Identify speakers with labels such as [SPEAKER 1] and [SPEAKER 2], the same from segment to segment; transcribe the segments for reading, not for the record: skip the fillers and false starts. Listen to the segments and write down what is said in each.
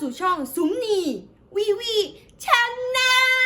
[SPEAKER 1] สู่ช่องสุมนีวีวีชแน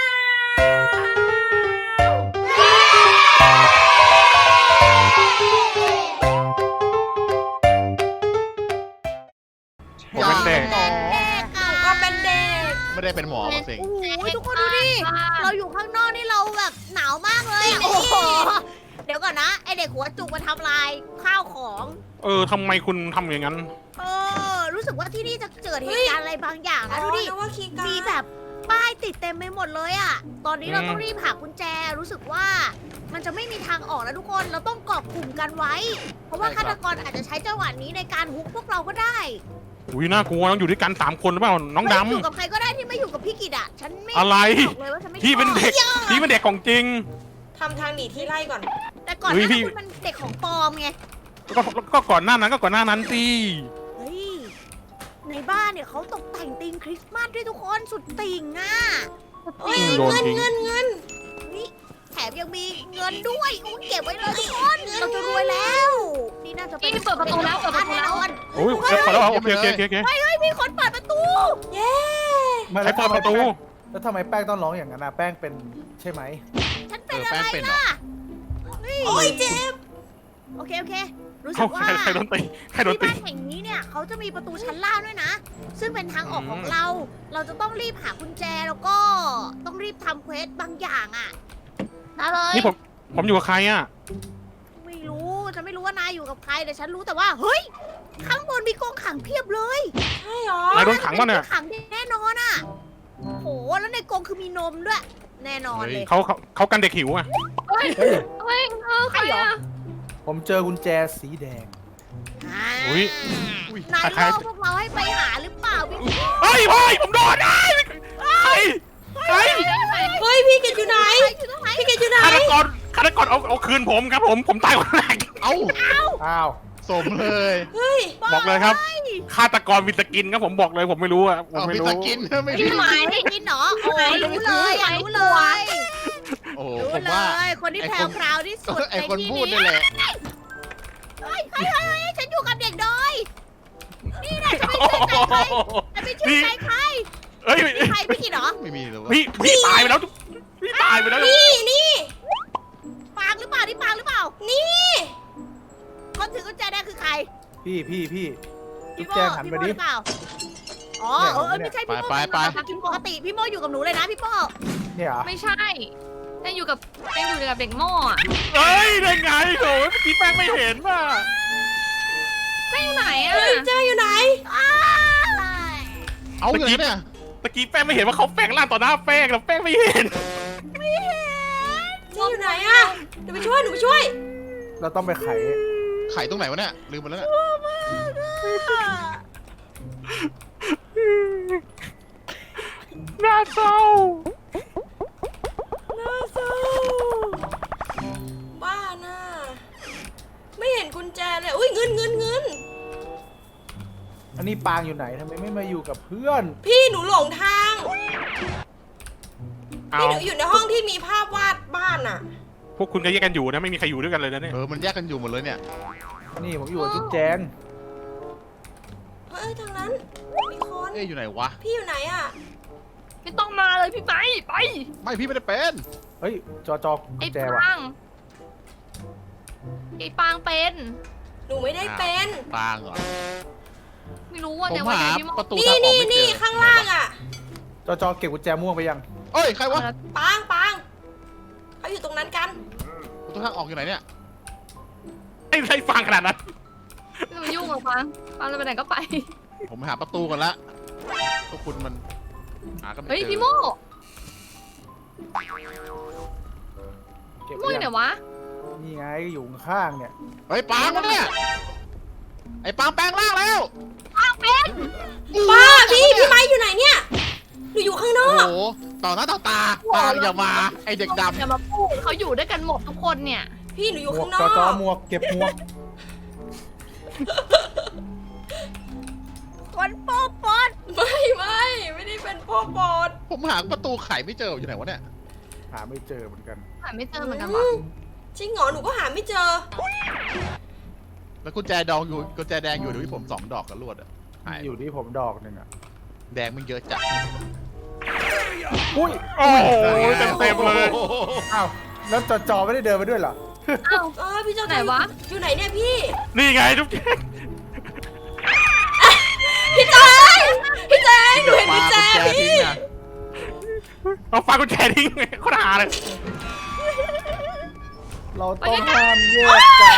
[SPEAKER 1] ล
[SPEAKER 2] ผมเป็นเด็ก
[SPEAKER 1] ก็เป็นเด็ก
[SPEAKER 2] ไม่ได้เป็นหมอมาสิ
[SPEAKER 3] โอ้โหทุกคนดูดิ เราอยู่ข้างนอกนี่เราแบบหนาวมากเลยอะโอ้โหเดี๋ยวก่อนนะ ไอเด็กหัวจุกมาทำลายข้าวของ
[SPEAKER 4] ทำไมคุณทำอย่างนั้น
[SPEAKER 3] รู้สึกว่าที่นี่จะเกิดเหตุการณ์อะไรบางอย่างนะดูดิ
[SPEAKER 1] ว่าคีย์การ์ด
[SPEAKER 3] มีแบบป้ายติดเต็มไปหมดเลยอะตอนนี้เราต้องรีบหากุญแจ รู้สึกว่ามันจะไม่มีทางออกแล้วทุกคน เราต้องเกาะกลุ่มกันไว้ เพราะว่าฆาตกรอาจจะใช้จังหวะนี้ในการฮุกพวกเราก็ได้
[SPEAKER 4] อุ้ยน่ากลัวต้องอยู่ด้วยกัน3 คนหรือเปล่าน้องด
[SPEAKER 3] ไม่อยู่กับใครก็ได้ที่ไม่อยู่กับพี่กิตอะฉันไม่
[SPEAKER 4] ำอะไร
[SPEAKER 3] บอกเลยว่าฉันไม่ชอบ
[SPEAKER 4] พี่เป็นเด็กพี่เป็นเด็กของจริง
[SPEAKER 1] ทำทางหนีที่ไล่ก่อน
[SPEAKER 3] แต่ก่อนห
[SPEAKER 4] เฮ้
[SPEAKER 3] น้าย
[SPEAKER 4] พี่
[SPEAKER 3] นั้นคุณเป็นเด็กของปลอมไง
[SPEAKER 4] ก็ก่อนหน้านั้นสิ
[SPEAKER 3] เฮ้ย ในบ้านเนี่ยเขาตกแต่งธีมคริสต์มาสด้วยทุกคนสุดติ่งอ่ะ
[SPEAKER 1] เอ้ย
[SPEAKER 4] โดน
[SPEAKER 1] เงิน
[SPEAKER 4] ทิ้ง
[SPEAKER 1] เงินเงิน
[SPEAKER 3] นี่แถมยังมีเงินด้วยอุ๊ยเก็บไว้เลยทุกคนเราจะรวยแล้ว นี่น่าจะเป็น
[SPEAKER 5] นี่เปิดประตูแล้วเปิดประตูแล้ว
[SPEAKER 3] แน่นอน
[SPEAKER 4] โอ้ยขอแล้วโอเค
[SPEAKER 3] เฮ้ยมีคนเปิดประตู
[SPEAKER 1] เย้
[SPEAKER 4] ใครเปิดประตู
[SPEAKER 6] แล้วทำไมแป้งต้องร้องอย่างนั้นอ่ะแป้งเป็นใช่ไหม
[SPEAKER 3] ฉันเป็นอะไรล่ะเฮ้ย
[SPEAKER 1] โอ้ยเจ็บ
[SPEAKER 3] โอเครู้สึ
[SPEAKER 4] เขา
[SPEAKER 3] กว่า
[SPEAKER 4] ใครโดนตีใครโดน
[SPEAKER 3] ที่
[SPEAKER 4] ตี
[SPEAKER 3] บ้านแห่งนี้เนี่ยเขาจะมีประตูชั้นล่างด้วยนะ ซึ่งเป็นทางออกของเรา เราจะต้องรีบหากุญแจแล้วก็ต้องรีบทำเควสบางอย่างอ่ะ
[SPEAKER 5] มาเลย
[SPEAKER 4] นี่ผมอยู่กับใครอ่ะ
[SPEAKER 3] ไม่รู้ฉันไม่รู้ว่านายอยู่กับใครแต่ฉันรู้แต่ว่าเฮ้ยข้างบนมีกองขังเพียบเลย
[SPEAKER 1] ใช่หรอ
[SPEAKER 4] นายโดนขังวะเนี่ย
[SPEAKER 3] ขังแน่นอนอ่ะโหแล้วในกรงคือมีนมด้วย แน่นอนเลย
[SPEAKER 4] เขากันเด็กหิวอ่ะ
[SPEAKER 5] เฮ้ย
[SPEAKER 6] เฮ้ย
[SPEAKER 5] เฮ้ยใครอ่ะ
[SPEAKER 6] ผมเจอกุญแจสีแดง
[SPEAKER 3] อ่า
[SPEAKER 4] อุ๊ย
[SPEAKER 3] นาย
[SPEAKER 4] ใคร
[SPEAKER 3] ล่อพวกเราให้ไปหาหรือเปล่าพี่
[SPEAKER 4] เฮ้ยผมโดนใคร
[SPEAKER 1] เฮ้ยพี่กิตอยู่ไหน
[SPEAKER 3] อยู่ตรงไหน
[SPEAKER 1] พี่กิตอยู่ไหน
[SPEAKER 4] ฆาตกรเอาคืนผมครับผมตายคนแรก
[SPEAKER 2] เอ้า
[SPEAKER 6] อ้าว
[SPEAKER 2] สมเลย
[SPEAKER 1] เฮ้ย
[SPEAKER 4] บอกเลยครับฆาตกรมีสกินครับผมบอกเลยผมไม่รู้อ่ะผม
[SPEAKER 2] เอา
[SPEAKER 4] ไม่
[SPEAKER 2] พิ
[SPEAKER 4] รู้
[SPEAKER 2] สกินไม่
[SPEAKER 5] พี่
[SPEAKER 2] มี
[SPEAKER 5] ไหม
[SPEAKER 3] กินเหรอโอ้ยรู้เลยอ่ะรู้เลย
[SPEAKER 2] โอ้โห
[SPEAKER 3] รู้
[SPEAKER 2] ผม
[SPEAKER 3] เล
[SPEAKER 2] ว่าย
[SPEAKER 3] คนที่แพรวพราวที่สุด
[SPEAKER 2] ไอ
[SPEAKER 3] ใน
[SPEAKER 2] คน
[SPEAKER 3] ที่
[SPEAKER 2] พูด
[SPEAKER 3] นี้
[SPEAKER 2] นี่แหละ
[SPEAKER 3] เฮ้ยฉันอยู่กับเด็กดอยนี่นะจะไม่เชื่อใจใคร
[SPEAKER 4] เฮ้ย
[SPEAKER 3] ใครพี่กินเหรอ
[SPEAKER 2] ไม่มีเลย
[SPEAKER 4] พี่ตายไปแล้วพี่ตายไปแล้ว
[SPEAKER 1] นี่
[SPEAKER 3] ปางหรือเปล่านี่ปางหรือเปล่า
[SPEAKER 1] นี่
[SPEAKER 3] คนถือกุญแจแดงคือใคร
[SPEAKER 6] พี่จุ๊
[SPEAKER 3] พี่
[SPEAKER 6] บ
[SPEAKER 3] โม
[SPEAKER 6] แจงหัน
[SPEAKER 3] พี่
[SPEAKER 6] ไป
[SPEAKER 3] โม
[SPEAKER 6] ดิ
[SPEAKER 3] หรือเปล่าอ๋อไม่ใช่พี่โมกินปกติพี่โมอยู่กับหนูเลยนะพี่โม
[SPEAKER 6] เนี่ยเหรอ
[SPEAKER 5] ไม่ใช่ยังอยู่กับเด็กโม่อะ
[SPEAKER 4] เฮ้ยได้ไงโถ่พี่แป้งไม่เห็นว่ะ
[SPEAKER 5] แม่อยู่ไหนอ่ะ
[SPEAKER 1] เฮ้ยเจออยู่ไหน
[SPEAKER 2] เอาอย่างนี้เนี่ย
[SPEAKER 4] ตะกี้แป้งไม่เห็นว่าเขาแฝงร่างต่อหน้าแป้งแล้วแป้งไม่เห็น
[SPEAKER 1] นี่อยู่ไหนอะเดี๋ยวไปช่วยหนูไปช่วย
[SPEAKER 6] เราต้องไปไข
[SPEAKER 2] ไข่ตรงไหนวะเนี่ยลืมไปแล้วเนี่ย
[SPEAKER 4] น่าเศร้า
[SPEAKER 1] น่าเศร้าบ้าน่ะไม่เห็นกุญแจเลยอุ้ยเงิน
[SPEAKER 6] อันนี้ปางอยู่ไหนทำไมไม่มาอยู่กับเพื่อน
[SPEAKER 1] พี่หนูหลงทาง
[SPEAKER 4] เอา
[SPEAKER 1] พี่หนูอยู่ในห้องที่มีภาพวาดบ้านอะ
[SPEAKER 4] พวกคุณก็แยกกันอยู่นะไม่มีใครอยู่ด้วยกันเลยนะเนี่ย
[SPEAKER 2] มันแยกกันอยู่หมดเลยเนี่ย
[SPEAKER 6] นี่ผมอยู่กับจุ๊บแจง
[SPEAKER 1] เฮ้ยทางนั้นมีคน
[SPEAKER 2] เอ๊ะอยู่ไหนวะ
[SPEAKER 1] พี่อยู่ไหนอะ
[SPEAKER 5] ไม่ต้องมาเลยพี่ไหมไป
[SPEAKER 2] ไม่พี่ไม่ได้เป็น
[SPEAKER 6] เฮ้ยจอกุ
[SPEAKER 5] ไอ้
[SPEAKER 6] ญแจว่ะ
[SPEAKER 5] ปางไอ้ปางเป็น
[SPEAKER 1] หนูไม่ได้เป็น
[SPEAKER 2] ปางเหรอ
[SPEAKER 5] ไม่รู้ว่า
[SPEAKER 2] ผม
[SPEAKER 5] เนี่ยวัน
[SPEAKER 2] หา
[SPEAKER 5] ไหนพี่โม่
[SPEAKER 2] ประตู
[SPEAKER 1] นี่
[SPEAKER 2] ทางออกไม่เจ
[SPEAKER 1] นี่
[SPEAKER 2] อ
[SPEAKER 1] ข้างล่างอะ
[SPEAKER 6] จอเก็บกุญแจม่วงไปยัง
[SPEAKER 2] เอ้ยใครวะ
[SPEAKER 1] ปางเขาอยู่ตรงนั้นกัน
[SPEAKER 2] ประตูทางออกอยู่ไหนเนี่ย
[SPEAKER 4] ไอ้ฟังขนาดนั้น
[SPEAKER 5] ไม่มายุ่งหรอกปางจะไปไหนก็ไป
[SPEAKER 2] ผมหาประตูกันละพวกคุณมันหากันไม่
[SPEAKER 5] เฮ้ย
[SPEAKER 2] เจอ
[SPEAKER 5] พี่โม่
[SPEAKER 6] เก็บ
[SPEAKER 5] พี่
[SPEAKER 6] ไป
[SPEAKER 5] โม่อยู่ไหน
[SPEAKER 6] ยัง
[SPEAKER 5] วะ
[SPEAKER 6] นี่ไงอยู่ข้างๆเนี่ย
[SPEAKER 2] เฮ้ยปางวะเนี่ยไอ้ปางแปลงร่างแล้ว
[SPEAKER 1] ป้าพี่ไม้อยู่ไหนเนี่ยหนูอยู่ข้างนอ
[SPEAKER 2] โอ้
[SPEAKER 1] ก
[SPEAKER 2] โหต่อหน้าต่อตาปางอย่ามาไอ้เด็กดำ
[SPEAKER 5] อย่ามาพูดเขาอยู่ด้วยกันหมดทุกคนเนี่ย
[SPEAKER 1] พี่หนูอยู่
[SPEAKER 6] หมว
[SPEAKER 1] ข้าก งน
[SPEAKER 6] จ
[SPEAKER 1] อ
[SPEAKER 6] อก หมวกเก็บหมวก
[SPEAKER 3] คนโป๊ปอน
[SPEAKER 1] ไม่ได้เป็นพ่อปอด
[SPEAKER 2] ผมหาประตูไขไม่เจออยู่ไหนวะเนี่ย
[SPEAKER 6] หาไม่เจอเหมือนกัน
[SPEAKER 5] หาไม่เจอเหมือนกันวะ
[SPEAKER 1] จริงเหรอหนูก็หาไม่เจอ
[SPEAKER 2] แล้วกุญแจดองอยู่กุญแจแดงอยู่เดี๋ยวที่ผม2 ดอกกันรวดอะหาย
[SPEAKER 6] อยู่ที่ผมดอกหนึ่งอ่ะ
[SPEAKER 2] แดงมันเยอะจัด
[SPEAKER 6] อุ้ย
[SPEAKER 4] โอ้โหเต็มๆเลย
[SPEAKER 6] อ้าวแล้วจอไม่ได้เดินมาด้วยเหรอ
[SPEAKER 5] เอ้า
[SPEAKER 1] พี่เจ้า
[SPEAKER 5] ไหนวะ
[SPEAKER 1] อยู่ไหนเนี่ยพี่
[SPEAKER 4] นี่ไงทุกท่าน
[SPEAKER 1] พี่แจงพี่แจงหนูเห็นพี่แจง
[SPEAKER 2] ปากุญแจ
[SPEAKER 1] พี่
[SPEAKER 2] ทิ้งอะ
[SPEAKER 4] เอาปากุญแจทิ้งโคตรหาเลย
[SPEAKER 6] เราต้องห้ามแยกกัน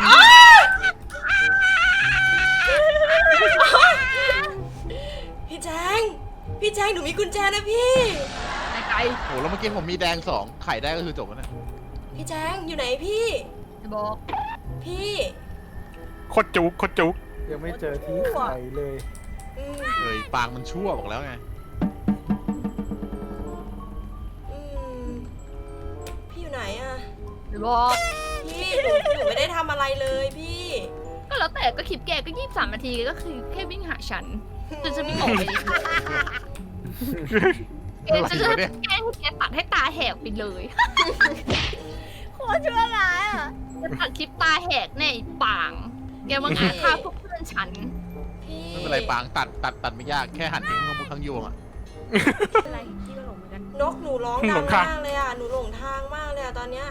[SPEAKER 1] พี่แจงพี่แจงหนูมีกุญแจนะพี่
[SPEAKER 5] ไกล
[SPEAKER 2] โอ้แล้วเมื่อกี้ผมมีแดง2ไข่ได้ก็คือจบแล้วนะ
[SPEAKER 1] พี่แจงอยู่ไหนพี่
[SPEAKER 5] ๆจะบอก
[SPEAKER 1] พี่
[SPEAKER 4] โคตรจุกโคตรจุก
[SPEAKER 6] ยังไม่เจอที่ไข่เลย
[SPEAKER 1] อืม
[SPEAKER 2] เอ้ยปางมันชั่วบอกแล้วไง
[SPEAKER 1] อืมพี่อยู่ไหนอะ
[SPEAKER 5] จะบอก
[SPEAKER 1] พี่หนูไม่ได้ทำอะไรเลยพี่
[SPEAKER 5] ก็แล้วแต่ก็คลิปแกก็23 นาทีก็คือแค่วิ่งหาฉันจนฉันวิ่งออกไปแกจะแกล้งให้แกตัดให้ตาแหกไปเลย
[SPEAKER 3] โคตรชั่วร้ายอ่ะ
[SPEAKER 5] จะตัดคลิปตาแหกแน่ไอ้ป่าง แกมาหาฆ่าพวกเพื่อนฉัน
[SPEAKER 1] พี่
[SPEAKER 2] ไม่เป็นไรปางตัดไม่ยากแค่หันทิ้งข้างบนข้างยวงอะ
[SPEAKER 3] อะไรพี่ก็หลงเหมือนกัน
[SPEAKER 1] นกหนูร้องดังมากเลยอะหนูหลงทางมากเลยอะตอนเนี้ย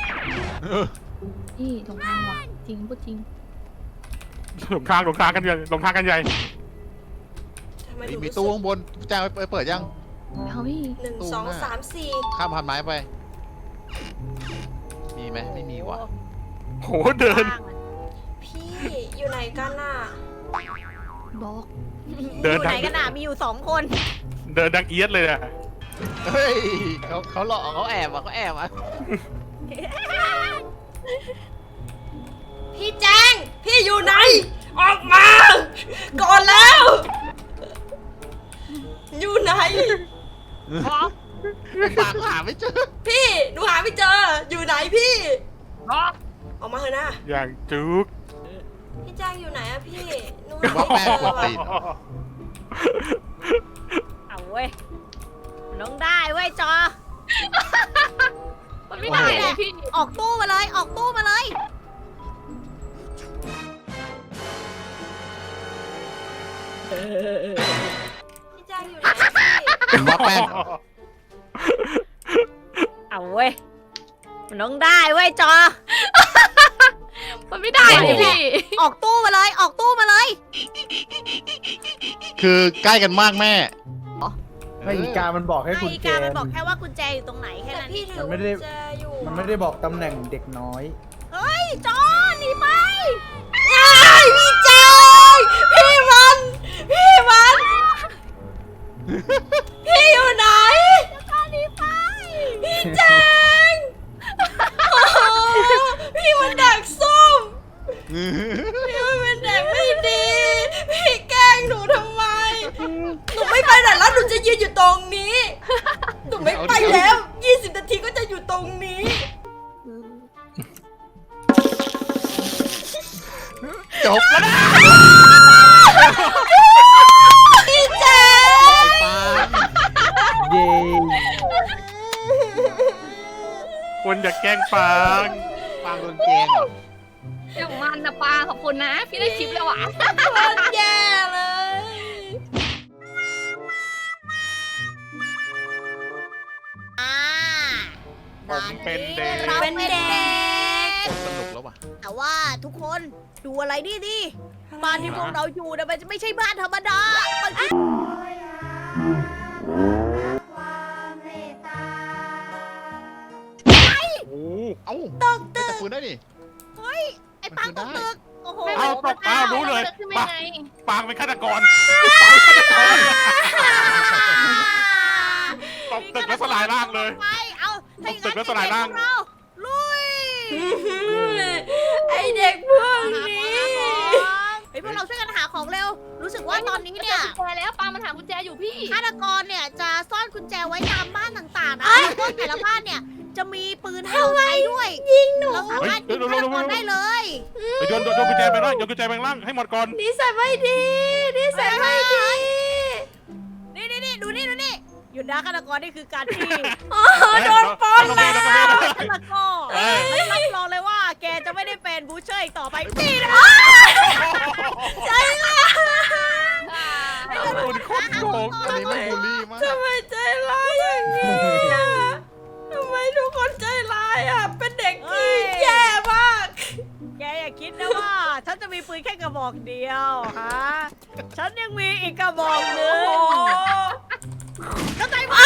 [SPEAKER 5] นี่ตรงทางว่ะจริงพูดจริง
[SPEAKER 4] หลงทางกันใหญ่หลงทางกันใหญ่
[SPEAKER 1] ทำไมห
[SPEAKER 2] เฮ้ย
[SPEAKER 1] นู
[SPEAKER 2] มี
[SPEAKER 1] รู้
[SPEAKER 2] ตู้
[SPEAKER 1] สึก
[SPEAKER 2] ข้างบนแจ้งไปเปิดยัง
[SPEAKER 5] เอาพี่
[SPEAKER 1] 1 2 3 4
[SPEAKER 2] ข้ามพันไม้ไป มีไหมไม่มีว่ะ
[SPEAKER 4] โหเดิน
[SPEAKER 1] พี่อยู่ไหนกันน่ะ
[SPEAKER 5] บอก
[SPEAKER 4] เดิน
[SPEAKER 3] อยู่ไหนกันอ่ะมีอยู่2 คน
[SPEAKER 4] เดินดังเอียดเลยอะ
[SPEAKER 2] เฮ้ยเขาหลอกเขาแอบอ่ะเขาแอบอ่ะ
[SPEAKER 1] พี่แจงพี่อยู่ไหน ออกมา ก่อนแล้ว อยู่ไหน
[SPEAKER 5] บอก
[SPEAKER 2] ปางหาไม่เจอ
[SPEAKER 1] พี่หนูหาไม่เจอ อยู่ไหนพี่
[SPEAKER 5] บอก
[SPEAKER 1] ออกมาเถอะนะ
[SPEAKER 4] อย่างจุก
[SPEAKER 1] พี่แจงอยู่ไหนอะพี่หนู
[SPEAKER 2] เป็น
[SPEAKER 1] หา
[SPEAKER 2] ว่า
[SPEAKER 1] ไม่
[SPEAKER 2] แม่
[SPEAKER 1] เจ
[SPEAKER 2] ก
[SPEAKER 1] อ
[SPEAKER 2] ดตีน
[SPEAKER 3] เอาเว้ยลงได้เว้ยจอ
[SPEAKER 5] มันไม่ได้เลยพี่
[SPEAKER 3] ออกตู้มาเลยออกตู้มาเลย
[SPEAKER 1] พี่แจงอยู่ไหนพี่
[SPEAKER 2] เป็นว่าแป้งเหรอ
[SPEAKER 3] เอาเว้ยมันลงได้เว้ยจอ
[SPEAKER 5] มันไม่ได้เลยพี่
[SPEAKER 3] ออกตู้มาเลยออกตู้มาเลย
[SPEAKER 2] คือใกล้กันมากแม่
[SPEAKER 6] ไม่อีกามันบอกให้
[SPEAKER 3] ไอ้
[SPEAKER 6] กุญ
[SPEAKER 3] อี
[SPEAKER 6] แจ
[SPEAKER 3] กามันบอกแค่ว่ากุญแจอยู่ตรงไหนแค่
[SPEAKER 1] แต่
[SPEAKER 3] นั้น
[SPEAKER 1] พี่
[SPEAKER 3] เอง
[SPEAKER 1] ถือ
[SPEAKER 6] มันไม่ได้
[SPEAKER 1] กุญแจอยู่
[SPEAKER 6] มันไม่ได้บอกตำแหน่งเด็กน้อย
[SPEAKER 3] เฮ้ยจอหนีไป
[SPEAKER 1] พี่แจงพี่มันพี่อยู่ไหน
[SPEAKER 3] จอหนีไป
[SPEAKER 1] พี่แจงโอ้โหพี่มันดักส้มพี่มันเป็นเด็กไม่ดี พี่แกล้งหนูทำไม หนูไม่ไปไหนแล้วหนูจะยืนอยู่ตรงนี้ หนูไม่ไปแล้ว 20 นาทีก็จะอยู่ตรงนี้
[SPEAKER 2] จบแล้วนะ
[SPEAKER 1] พี่แจง
[SPEAKER 2] ปาง
[SPEAKER 6] เย้
[SPEAKER 4] คนอยากแกล้งปาง
[SPEAKER 2] ปางโดนแกงเหรอ
[SPEAKER 5] อย่างมันนะปาขอบคุณนะ พี่ได้คลิปแล้วอ่ะ
[SPEAKER 1] มันแย่เลย
[SPEAKER 3] อ่า
[SPEAKER 4] ผมเป็นเด็ก
[SPEAKER 3] เราเป็นเด็ก
[SPEAKER 2] สนุกแล้วว่ะ
[SPEAKER 3] แต่ว่าทุกคนดูอะไรนี่ดิบ้านที่พวกเราอยู่เนี่ยมันไม่ใช่บ้านธรรมดามันคือ
[SPEAKER 4] โอ้
[SPEAKER 2] เอ้า
[SPEAKER 3] ตึก
[SPEAKER 2] ไม่
[SPEAKER 3] ตึ
[SPEAKER 2] แต่
[SPEAKER 3] ก
[SPEAKER 2] ฟื้นได้ดิ
[SPEAKER 3] เฮ้ยไอ้ปังตกตึกโอ้โห
[SPEAKER 4] เอาตกเอารู้เลย
[SPEAKER 5] ขึ้นไม่ไง
[SPEAKER 4] ปางเป็นฆาตกรตกตึกแล้วสลายร่างเลย
[SPEAKER 3] ไปเอา
[SPEAKER 4] ตกตึกแล้วสลายร่าง
[SPEAKER 3] เเราลุย
[SPEAKER 1] ไอเด็กพวกนี้
[SPEAKER 3] เฮ้ยพวกเราช่วยกันหาของเร็ว รู้สึกว่าตอนนี้เนี่ย
[SPEAKER 5] กุญแจแล้วปามันหากุญแจอยู่พี่
[SPEAKER 3] ฆาตกรเนี่ยจะซ่อนกุญแจไว้ตามบ้านต่างๆนะแล้วก็แต่ละบ้านเนี่ยจะมีปืนให้เราใช้ด้วย ยิงหนูเราสามารถยิงฆาตกรได้เลย
[SPEAKER 4] ไปโยนกุญแจไปล่างโยนกุญแจไปล่างให้หมดก่อน
[SPEAKER 1] นิสัยไม่ดีนิสัยไม่ดี
[SPEAKER 3] นี่ดูนี่หยุดนะฆาตกรนี่คือการที่
[SPEAKER 1] โดนปล้นแล้ว
[SPEAKER 3] ฆาตกรไม่รับรองเลยว่าแกจะไม่ได้เป็นบูเชอร์อีกต่อไปนี่นะ
[SPEAKER 4] คุณโคโกง
[SPEAKER 2] อันนี้ไม่บูลลี่มาก
[SPEAKER 1] ทำไมใจร้ายอย่างนี้อ่ะทำไมทุกคนใจร้ายอ่ะ เป็นเด็กที่แย่มาก
[SPEAKER 3] แกอย่าคิดนะว่า ฉันจะมีปืนแค่กระบอกเดียวฮะ ฉันยังมีอีกกระบอกหนึ
[SPEAKER 1] โอ้
[SPEAKER 3] ง
[SPEAKER 1] โห
[SPEAKER 3] เข้าใจไหม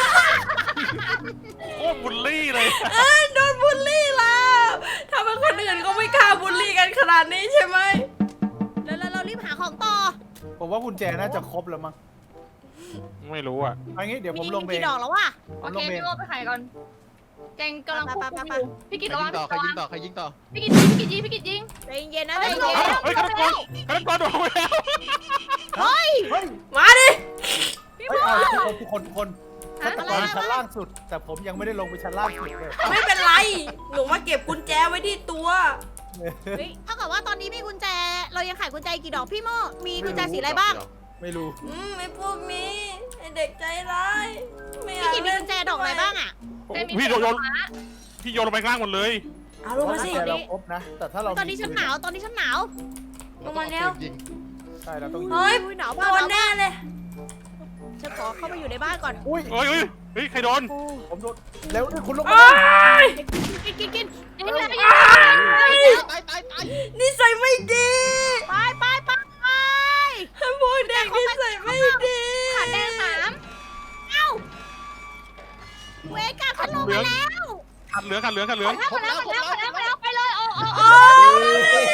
[SPEAKER 4] โคตรบูลลี่เลย
[SPEAKER 1] โดนบูลลี่แล้วถ้าเป็นคนอื่นก็ไม่กล้าบูลลี่กันขนาดนี้ใช่ไหม
[SPEAKER 3] แล้วเรารีบหาของต่อ
[SPEAKER 6] ผมว่ากุญแจน่าจะครบแล้วมั้ง
[SPEAKER 4] ไม่รู้อ่ะ
[SPEAKER 6] เอางี้เดี๋ยวผมลงไป
[SPEAKER 3] กี่ดอกแล้ววะ
[SPEAKER 6] ผ
[SPEAKER 5] โอ
[SPEAKER 6] ม
[SPEAKER 5] เค
[SPEAKER 6] ลงไป
[SPEAKER 5] พี่โอไปขายก่อนแจงกำลังควบคุมอยู่พี่กิต
[SPEAKER 2] ใคร
[SPEAKER 5] ระวั
[SPEAKER 2] ยิ
[SPEAKER 5] ง
[SPEAKER 2] งต่อใครยิงต่อใครยิงต่อ
[SPEAKER 5] พี่กิตยิงพี่กิตยิง
[SPEAKER 3] ใจเย็นๆนะใจเย็น
[SPEAKER 4] เฮ้ยฆาตกรโดนไปแล้ว
[SPEAKER 3] เฮ้ย
[SPEAKER 6] เฮ้ย
[SPEAKER 1] มาดิ
[SPEAKER 3] พี่
[SPEAKER 6] เฮ้
[SPEAKER 3] โม
[SPEAKER 6] ยเอาทุกคนฆาตกรชั้นล่างสุด แต่ผมยังไม่ได้ลงไปชั้นล่างสุดเลย
[SPEAKER 1] ไม่เป็นไร หนูมาเก็บกุญแจไว้ที่ตัว
[SPEAKER 3] เฮ้ยเท่ากับว่าตอนนี้มีกุญแจ เรายังขายกุญแจกี่ดอกพี่โมมีกุญแจสีอะไรบ้าง
[SPEAKER 6] ไม่รู้
[SPEAKER 1] ไอ้พวกนี้ไอ้เด็กใจร้ายไม่อยา
[SPEAKER 3] พี่
[SPEAKER 1] ก
[SPEAKER 3] กินมีกุญแจดอกอะไรบ้างอ่ะ
[SPEAKER 4] พี่โยนพี่โยนลงไปข้างล่างหมดเลย
[SPEAKER 1] เอาลงมาสิ
[SPEAKER 6] แต่เราครบนะ แต่ถ้าเรา
[SPEAKER 3] ตอนนี้ฉันหนาวตอนนี้ฉันหนาว
[SPEAKER 1] ลงมาแล้ว
[SPEAKER 2] ยิง
[SPEAKER 6] ใช่เราต้อง
[SPEAKER 1] เฮ้ย
[SPEAKER 3] หนาว
[SPEAKER 1] โด
[SPEAKER 3] มาก
[SPEAKER 1] นแน่เลย
[SPEAKER 3] ฉันขอเข้าไปอยู่ในบ้านก่อน
[SPEAKER 6] อุ้ย
[SPEAKER 4] เฮ้ยเฮ้ยใครโดน
[SPEAKER 6] ผมโดนเร็วดิคุณลง
[SPEAKER 1] โอ๊
[SPEAKER 6] มาย
[SPEAKER 3] กิน
[SPEAKER 5] ยิงเลย
[SPEAKER 2] ตายตายตาย
[SPEAKER 1] นิสัยไม่ดี
[SPEAKER 3] ไปไปไปไป
[SPEAKER 1] พวกเด็กนิสัยไม่ดี
[SPEAKER 5] ขาแดง3
[SPEAKER 3] เอ้าเวก้าฉันลงมาแล้ว
[SPEAKER 4] ขัดเหลือง
[SPEAKER 5] หมดแล้วไปเลยโอ้
[SPEAKER 1] โอ๊ย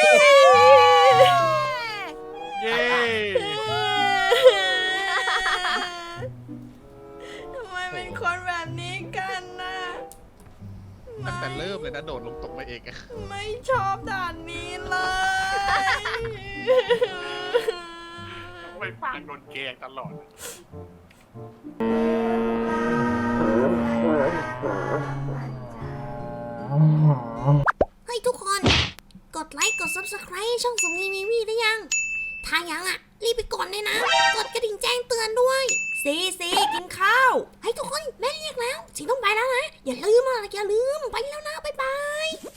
[SPEAKER 4] เย้
[SPEAKER 1] ทำไมเป็นคนแบบนี้กันนะ
[SPEAKER 2] ตั้งแต่เริ่มเลยนะโดดลงตกมาเองอะ
[SPEAKER 1] ไม่ชอบด่านนี้เลย
[SPEAKER 4] ไม่ปางโดนแกงตลอด
[SPEAKER 7] เฮ้ยทุกคน กดไลค์ กด Subscribe ช่องสมนีมีวีได้ยัง ถ้ายังอ่ะ รีบไปกดเลยนะ กดกระดิ่งแจ้งเตือนด้วย
[SPEAKER 1] ซีกินข้าว
[SPEAKER 7] เฮ้ยทุกคน แม่เรียกแล้ว สิต้องไปแล้วนะ อย่าลืมไปแล้วนะ บ๊ายบาย